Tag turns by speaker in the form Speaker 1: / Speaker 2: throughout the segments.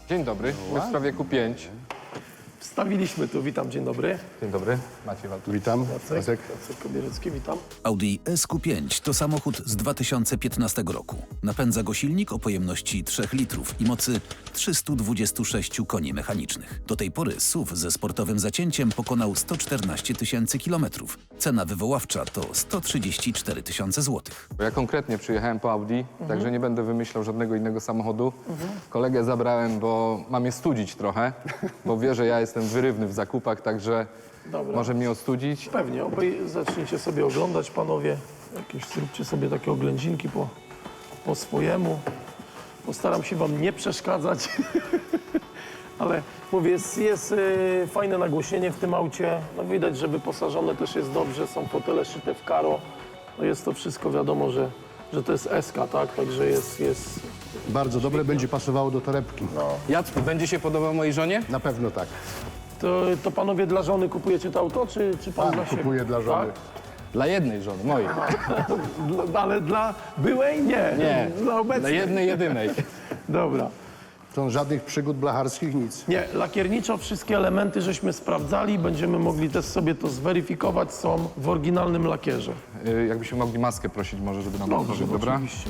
Speaker 1: Dzień dobry, my w sprawie Q5.
Speaker 2: Wstawiliśmy tu, witam, dzień dobry.
Speaker 1: Dzień dobry, Maciej Walczak.
Speaker 3: Witam.
Speaker 2: Jacek Kobierecki, witam.
Speaker 4: Audi SQ5 to samochód z 2015 roku. Napędza go silnik o pojemności 3 litrów i mocy 326 koni mechanicznych. Do tej pory SUV ze sportowym zacięciem pokonał 114 tysięcy kilometrów. Cena wywoławcza to 134 tysiące złotych.
Speaker 1: Ja konkretnie przyjechałem po Audi, także nie będę wymyślał żadnego innego samochodu. Kolegę zabrałem, bo mam je studzić trochę, bo wie, że ja jestem wyrywny w zakupach, także
Speaker 2: Dobra.
Speaker 1: może mnie ostudzić.
Speaker 2: Pewnie, obaj zacznijcie sobie oglądać, panowie. Jakieś zróbcie sobie takie oględzinki po swojemu. Postaram się wam nie przeszkadzać. Ale mówię, jest fajne nagłośnienie w tym aucie. No widać, że wyposażone też jest dobrze, są fotele szyte w karo. No jest to wszystko wiadomo, że to jest SK, tak? Także jest...
Speaker 3: Bardzo dobre, będzie pasowało do torebki.
Speaker 1: Jacku, będzie się podobał mojej żonie?
Speaker 3: Na pewno tak.
Speaker 2: To panowie dla żony kupujecie to auto, czy pan dla siebie?
Speaker 3: Kupuję dla żony.
Speaker 1: Dla jednej żony, mojej.
Speaker 2: Ale dla byłej? Nie.
Speaker 1: Nie,
Speaker 2: Dla
Speaker 1: dla
Speaker 2: obecnej?
Speaker 1: jednej, jedynej.
Speaker 2: Dobra.
Speaker 3: To żadnych przygód blacharskich, nic.
Speaker 2: Nie, lakierniczo wszystkie elementy żeśmy sprawdzali, będziemy mogli też sobie to zweryfikować, są w oryginalnym lakierze.
Speaker 1: Jakbyśmy mogli maskę prosić może, żeby nam
Speaker 2: Dobrze,
Speaker 1: otworzyć, dobra?
Speaker 2: oczywiście.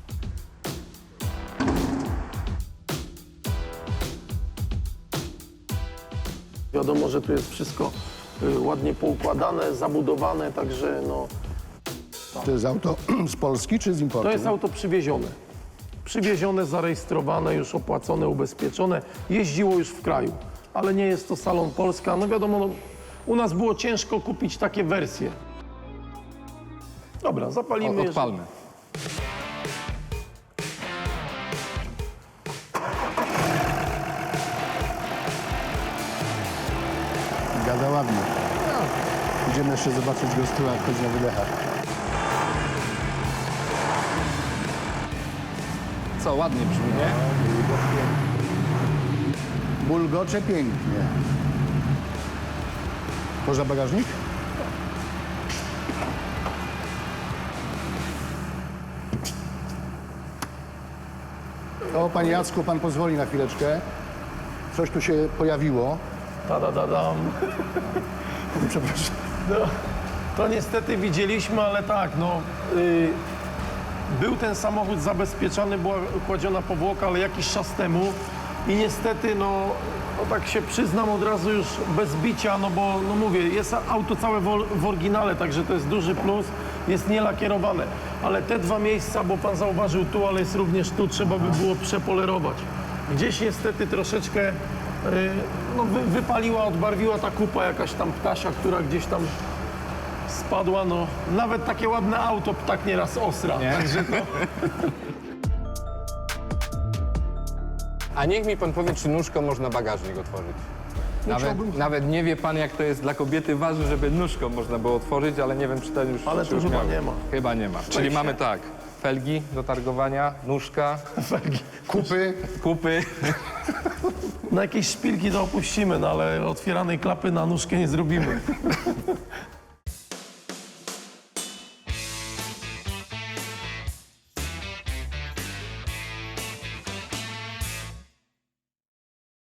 Speaker 2: Wiadomo, że tu jest wszystko ładnie poukładane, zabudowane, także no,
Speaker 3: To jest auto z Polski czy z importu?
Speaker 2: to jest auto przywiezione. Przywiezione, zarejestrowane, już opłacone, ubezpieczone. Jeździło już w kraju, ale nie jest to salon Polska. No wiadomo, no, u nas było ciężko kupić takie wersje. Dobra, zapalimy.
Speaker 1: Odpalmy.
Speaker 3: Gada ładnie. Idziemy jeszcze zobaczyć go z tyłu, jak chodzi na wydechach.
Speaker 1: Co, ładnie brzmi, nie?
Speaker 3: Bulgocze pięknie. Można bagażnik? O, panie Jacku, pan pozwoli na chwileczkę. Coś tu się pojawiło.
Speaker 2: Tadadadam.
Speaker 3: Przepraszam.
Speaker 2: No, to niestety widzieliśmy, ale tak, no, był ten samochód zabezpieczony, była kładziona powłoka, ale jakiś czas temu i niestety, no tak się przyznam od razu już bez bicia, no bo, no mówię, jest auto całe w oryginale, także to jest duży plus, jest nielakierowane, ale te dwa miejsca, bo pan zauważył tu, ale jest również tu, trzeba by było przepolerować. Gdzieś niestety troszeczkę no, wypaliła, odbarwiła ta kupa jakaś tam ptasia, która gdzieś tam spadła, no nawet takie ładne auto ptak nieraz osra.
Speaker 1: Nie?
Speaker 2: Także to...
Speaker 1: A niech mi pan powie, czy nóżką można bagażnik otworzyć. Nawet nie wie pan, jak to jest dla kobiety ważne, żeby nóżką można było otworzyć, ale nie wiem, czy ten już...
Speaker 2: Ale
Speaker 1: czy
Speaker 2: tu
Speaker 1: już
Speaker 2: chyba
Speaker 1: miał.
Speaker 2: nie ma.
Speaker 1: Chyba nie ma. Czyli mamy tak, felgi do targowania, nóżka,
Speaker 3: Kupy.
Speaker 1: kupy.
Speaker 2: Na jakieś szpilki to opuścimy, no ale otwieranej klapy na nóżkę nie zrobimy.